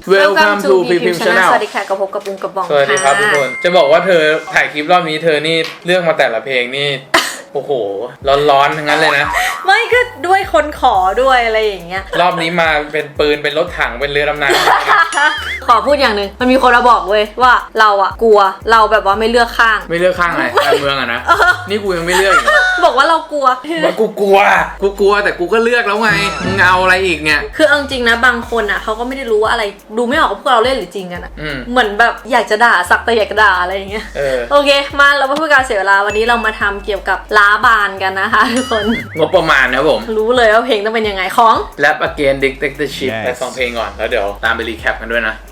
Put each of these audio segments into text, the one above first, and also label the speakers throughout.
Speaker 1: Welcome to PPM Channel
Speaker 2: สวัสดีค่ะกับพบกับบุ้งกับบ้อง
Speaker 1: สวัสดีครับทุกคนจะบอกว่าเธอถ่ายคลิปรอบนี้เธอนี่เลือกมาแต่ละเพลงนี่ โอ้โหร้อนๆทั้งนั้นเลยนะ
Speaker 2: ไม่ก็ด้วยคนขอด้วยอะไรอย่างเงี้ย
Speaker 1: รอบนี้มาเป็นปืนเป็นรถถังเป็นเรือดำน้
Speaker 2: ำ ขอพูดอย่างหนึ่งมันมีคนมาบอกเว้ยว่าเราอะกลัวเราแบบว่าไม่เลือกข้าง
Speaker 1: ไม่เลือกข้างอะไรการเมืองอะนะนี่กูยังไม่เลือกอีก
Speaker 2: บอกว่าเรากลัว
Speaker 1: ว่ากูกลัวแต่กูก็เลือกแล้วไงมึงเอาอะไรอีกเนี่ย
Speaker 2: คือเอาจริงนะบางคนอะเขาก็ไม่ได้รู้ว่าอะไรดูไม่ออกว่าพวกเราเล่นหรือจริงกันอะเหมือนแบบอยากจะด่าสักแต่อยากจะด่าอะไรอย่างเงี้ยโอเคมาเราไม่พูดการเสียเวลาวันนี้เรามาทำเกี่ยวกับล้าบานกันนะคะทุกคน
Speaker 1: งบประมาณนะผม
Speaker 2: รู้เลยว่าเพลงต้องเป็นยังไงของ
Speaker 1: Rap Again Dictatorship ไปฟังเพลงก่อนแล้วเดี๋ยวตามไปรีแคปกันด้วยนะ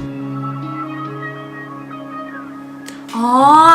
Speaker 2: อ๋อ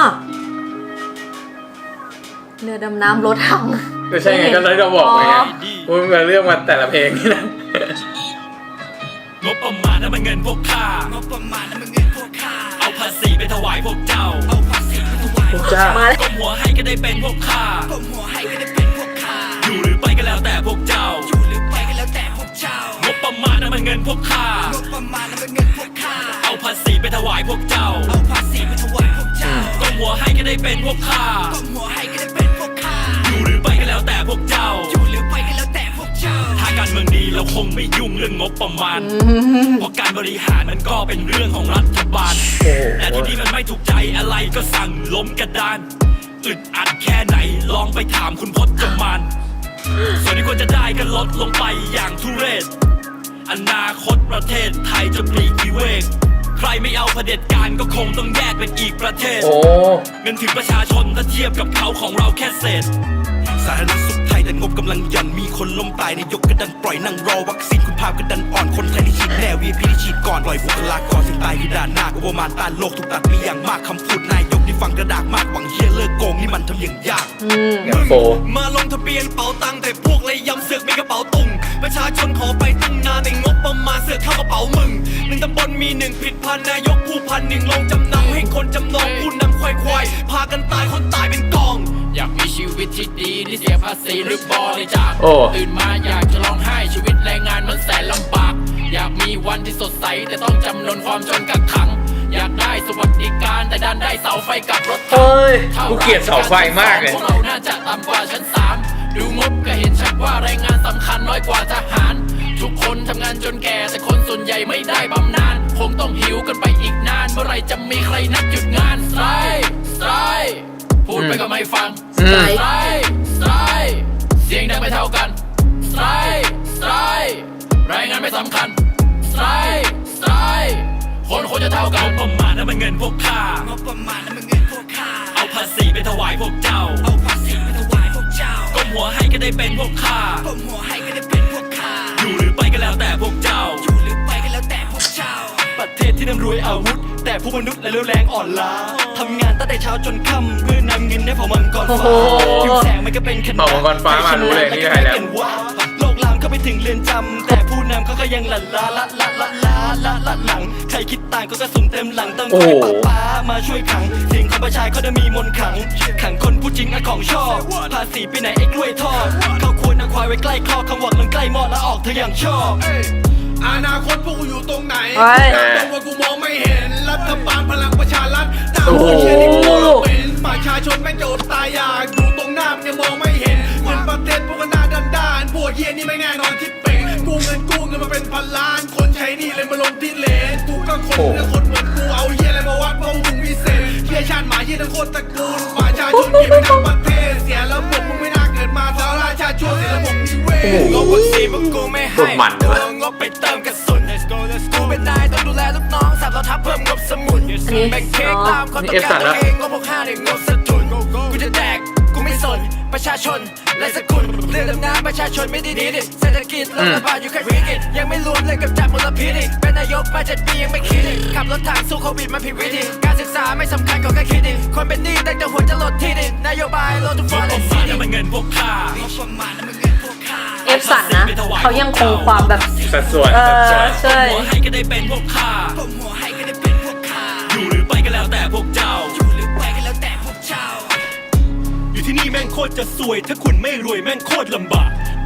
Speaker 2: เรือดำน้ำรถถัง
Speaker 1: ก็ใช่ไงก็เลยจะบอกไงว่ามันเลือกมาแต่ละเพลงนี่นะ
Speaker 3: งบประมาณนั้นมันเงินพวกข้างบประมาณนั้นมันเงินพวกข้าเอาภาษีไปถวายพวกเจ้าเอาภาษีไปถวายพวกเจ้าก้มหัวให้ก็ได้เป็นพวกข้าก้มหัวให้ก็ได้เป็นพวกข้าอยู่หรือไปก็แล้วแต่พวกเจ้าอยู่หรือไปก็แล้วแต่พวกเจ้างบประมาณนั้นมันเงินพวกข้างบประมาณนั้นมันเงินพวกข้าเอาภาษีไปถวายพวกเจ้าเอาภาษีไปถวายพวกเจ้าก้มหัวให้ก็ได้เป็นพวกข้าก้มหัวให้ก็ได้เป็นพวกข้าอยู่หรือไปก็แล้วแต่พวกเจ้าอยู่หรือไปก็แล้วแต่พวกเจ้าถ้าการเมืองดีเราคงไม่ยุ่งเรื่องงบประมาณเพราะการบริหารมันก็เป็นเรื่องของรัฐบาลแต่ที่นี่มันไม่ถูกใจอะไรก็สั่งล้มกระดานอึดอัดแค่ไหนลองไปถามคุณพจมานส่วนที่ควรจะได้ก็ลดลงไปอย่างทุเรศอนาคตประเทศไทยจะปลีกวิเวกใครไม่เอาเผด็จการก็คงต้องแยกเป็นอีกประเทศเงินถึงประชาชนถ้าเทียบกับเขาของเราแค่เศษสาธารณสุขไทยแต่งบกำลังยันมีคนล้มตายในยกกระดันปล่อยนั่งรอวัคซีนคุณภาพกระดันอ่อนคนไทยที่ฉีดแน่ VIP ที่ฉีดก่อนปล่อยบุคลากรสิ่งตายคือด่านหน้าอุปมาต้านโลกถูกตัดมีอย่างมากคำพูดนายกที่ฟังกระดากมากหวังเฮียเลิกโกงนี่มันทำอย่างยากมาลงทะเบียนเป๋าตังแต่พวกเลยย้ำเสือกมีกระเป๋าตุงประชาชนขอไปตั้งนานในงบประมาณเสือกเข้ากระเป๋ามึงหนึ่งตำบลมีหนึ่งผิดพันนายกผู้พันหนึ่งลงจำนำให้คนจำนองผู้นำควายพากันตายคนตายเป็นกองอยากมีชีวิตที่ดีที่เสียภาษีหรือบริจาคตื่นมาอยากจะร้องไห้ชีวิตแรงงานมันแสนลำบากอยากมีวันที่สดใสแต่ต้องจำนนความจนกักขังอยากได้สวัสดิการแต่ดันได้เสาไฟกับรถถัง
Speaker 1: กูเกลียดเสาไฟมากเลย
Speaker 3: พวกเราน่าจะต่ำกว่าชั้น3ดูงบก็เห็นชัดว่าแรงงานสำคัญน้อยกว่าทหารทุกคนทำงานจนแก่แต่คนส่วนใหญ่ไม่ได้บำนาญคงต้องหิวกันไปอีกนานเมื่อไรจะมีใครนัดหยุดงานสไตร์พูดไปก็ไม่ฟังสไตร์เสียงดังไม่เท่ากันสไตร์รายงานไม่สำคัญสไตร์คนควรจะเท่ากันงบประมาณนั้นมันเงินพวกข้างบประมาณนั้นมันเงินพวกข้าเอาภาษีไปถวายพวกเจ้าเอาภาษีไปถวายพวกเจ้าก้มหัวให้ก็ได้เป็นพวกข้าก้มหัวให้ก็ได้เป็นพวกข้าอยู่หรือไปก็แล้วแต่พวกเจ้าอยู่หรือไปก็แล้วแต่พวกเจ้าประเทศที่ร่ำรวยอาวุธแต่ผู้มนุษย์และเร็วแรงอ่อนล้าทำงานตั้งแต่เช้าจนค่ำเพื่อนำเงินให้เผ่ามังกรฟ้าผิวแสงมันก็เป็นขนาด
Speaker 1: เผ่ามังกรฟ้ามารู้เลยนี่ใครแล้ว
Speaker 3: โลกลามเข้าไปถึงเรือนจำแต่ผู้นำเขาก็ยังหลังใครคิดต่างก็กระสุนเต็มหลังต้องคอยป้ามาช่วยขังเสียงของประชาชนเขาจะมีมนต์ขังคนผู้จริงของชอบภาษีไปไหนไอ้กล้วยทอดเขาควรเอาควายไว้ใกล้คอคำหวังลงใกล้หม้อแล้วออกเธออย่างชอบ
Speaker 4: อนาคตพวกกูอยู่ตรงไหนตรงว่ากูมองไม่เห็นรัฐบาลพลังประชารัฐด่าพวกเชี่ยนี่กูเป็นประชาชนแม่งจะอดตายอยากอยู่ตรงหน้ามันยังมองไม่เห็นเงินประเทศพวกก็หน้าด้านพวกเฮียนี่ไม่แน่นอนที่เป็นกู้เงินมาเป็นพันล้านคนใช้นี่เลยมาลงที่เลนกูก็คนและคนเหมือนกูเอาเฮียอะไรมาวัดเพราะมึงพิเศษเฮียชาติหมาเฮียทั้งโคตรตระกูลประชาชนเฮียไม่ทั้งประเทศเสียระบบมึงไม่น่าเกิดมาแต่ราชาชนเสียระบบนิเวศงบวัคซีนมึงกูไม่ให้งบไปเติมกระสุนกูเป็นนายต้องดูแลลูกน้องสับเราทับเพิ่มงบสมุนแบ่งเค้กตามคนต้องการตัวเองงบ65เนี่ยงบสะทุนกูจะแดกกูไม่สนประชาชนและสกุลเรื่องดำน้ำประชาชนไม่ดีดิเศรษฐกิจรัฐบาลอยู่แค่วิกฤตยังไม่รวมเลยกับจับมลพิษเป็นนายกมา7 ปียังไม่คิดขับรถถังสู้โควิดมาผิดวิธีการศึกษาไม่สำคัญก็แค่คิดคนเป็นหนี้แต่หัวจะลดที่ดินนโยบายลดทุกฟอร์เรสต์นี่มันเงินพวกข้า
Speaker 2: เอฟสันนะเขายังคงความแบบ
Speaker 1: สัดส่วน
Speaker 2: ใช่
Speaker 3: หัวให้ก็ได้เป็นพวกข้าหัวให้ก็ได้เป็นพวกข้าอยู่หรือไปก็แล้วแต่พวกเจ้าอยู่หรือไปก็แล้วแต่พวกเจ้าอยู่ที่นี่แม่งโคตรจะสวยถ้าคุณไม่รวยแม่งโคตรลำบาก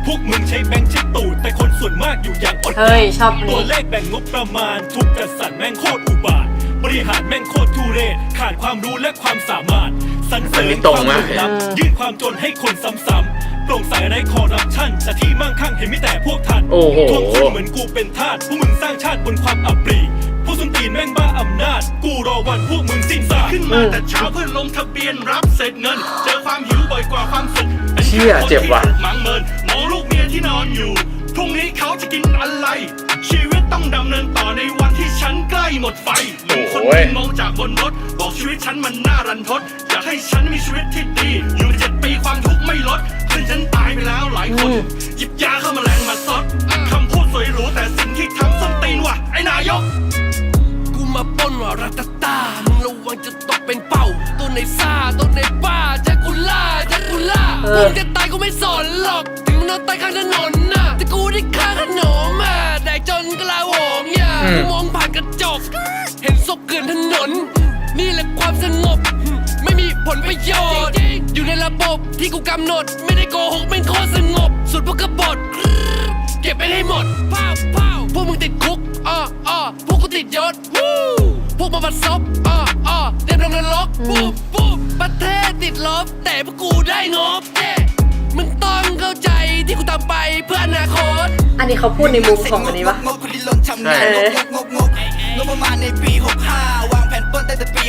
Speaker 3: พวกมึงใช้แบงค์ใช้ตูดแต่คนส่วนมากอยู่อย่างอด
Speaker 2: เฮ้ยชอบนี้
Speaker 3: ตัวเลขแบ่งงบประมาณถูกจัดสรรแม่งโคตรอุบาทบริหารแม่งโคตรทุเรศขาดความรู้และความสามารถสรรเสริญความเหลื่อมล้ำยื่นความจนให้คนซ้ำๆโปร่งใสไร้คอร์รัปชันแต่ที่มั่งคั่งเห็นไม่แต่พวกท่านทวงคืนเหมือนกูเป็นทาสพวกมึงสร้างชาติบนความอับปรีพวกส้นตีนแม่งบ้าอำนาจกูรอวันพวกมึงสิ้นซากขึ้นมาแต่เช้าเพื่อลงทะเบียนรับเสร็จเงินเจอความหิวบ่อยกว่าความสุข
Speaker 1: เชี่ยเจ็บว่ะ
Speaker 3: มังเมินมองลูกเมียที่นอนอยู่พรุ่งนี้เขาจะกินอะไรชีวิตต้องดำเนินต่อในวันที่ฉันใกล้หมดไฟเหมือนคนที่มองจากบนรถบอกชีวิตฉันมันน่ารันทดอยากให้ฉันมีชีวิตที่ดีอยู่7 ปีความทุกข์ไม่ลดเพื่อนฉันตายไปแล้วหลายคนหยิบยาเข้ามาแรงมาซดคำพูดสวยหรูแต่สิ่งที่ทำส้นตีนว่ะไอ้นายกกูมาปล้นว่ารัตตามึงระวังจะตกเป็นเป้าตัวในซ่าตัวในป้าแจ็คกูล่ามึงจะตายกูไม่สนหรอกถึงมึงนอนตายข้างถนนน่ะแต่กูได้ค่าขนมมาได้จนกลาโหมอย่ากูมองผ่านกระจกเห็นศพเกลื่อนถนนนี่แหละความสงบไม่มีผลประโยชน์อยู่ในระบบที่กูกำหนดไม่ได้โกหกเป็นโคตรสงบสุดพวกกบฏเก็บไปให้หมดพวกมึงติดคุกพวกกูติดยศพวกมาบัดซบเตรียมลงนรกประเทศติดลบแต่พวกกูได้งบมึงต้องเข้าใจที่กูทำไปเพื่ออนาคต
Speaker 2: อันนี้เขาพูดในมุมของอันนี้ปะ
Speaker 4: งบคนที่ล้นทำงานงบประมาณในปี65วางแผนปล้นตั้งแต่ปี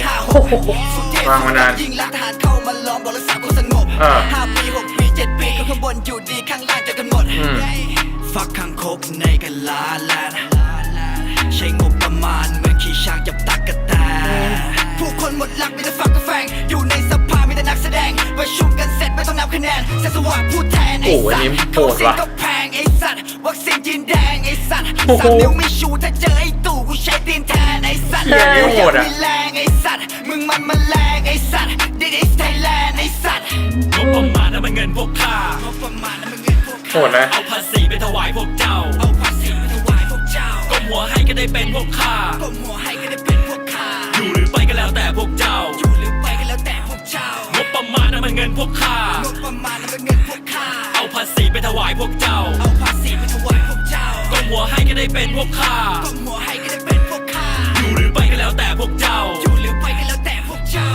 Speaker 4: 56
Speaker 1: วางมานาน
Speaker 4: ยิงลักทหารเข้ามาล้อมบอกรักษาความสงบ5 ปี 6 ปี 7 ปีก็ข้างบนอยู่ดีข้างล่างเจอกันหมดฟักข้างคกในกันลาแลนใช้งบประมาณเหมือนขี้ช้างจับตักกะแตผู้คนหมดหลักมีแต่ฝักกระแฟงอยู่ในสภามีแต่นักแสดงประชุมกันเสร็จไม่ต้องนับคะแนนเสสวัสดิ์พูดแทนไอ้สัตว์เขาเสียงก็แพงไอ้สัตว์วัคซีนจีนแดงไอ้สัตว์3 นิ้วไม่ชูถ้าเจอไอ้ตู่กูใช้ตีนแทนไอ้สัตว์มีแรงไอ้สัตว์มึงมันแรงไอ้สัตว์ This is Thailand ไอ้สัตว์
Speaker 3: งบประมาณนั้นมันเงินพวกข้า
Speaker 4: งบประมาณนั้นมันเงินพวก
Speaker 1: โหดนะ
Speaker 3: เอาภาษีไปถวายพวกเจ้า
Speaker 4: เอาภาษีไปถวายพวกเจ้า
Speaker 3: ก้มหัวให้ก็ได้เป็นพวกข้า
Speaker 4: ก้มหัวให้ก็ได้เป็นพวกข้า
Speaker 3: อยู่หรือไปก็แล้วแต่พวกเจ้า
Speaker 4: อยู่หรือไปก็แล้วแต่พวกเจ้าง
Speaker 3: บประมาณนั้นมันเงินพวกข้าง
Speaker 4: บประมาณนั้นมันเงินพวกข้า
Speaker 3: เอาภาษีไปถวายพวกเจ้า
Speaker 4: เอาภาษีไปถวายพวกเจ้า
Speaker 3: ก้มหัวให้ก็ได้เป็นพวกข้า
Speaker 4: ก้มหัวให้ก็ได้เป็นพวกข้า
Speaker 3: อยู่หรือไปก็แล้วแต่พวกเจ้า
Speaker 4: อยู่หรือไปก็แล้วแต่พวกเจ้า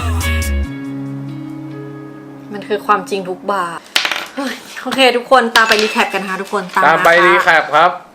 Speaker 2: มันคือความจริงทุกบาทเฮ้ยโอเคทุกคนตามไปรีแคปกันค่ะทุกคน
Speaker 1: ตามไปรีแคปครับ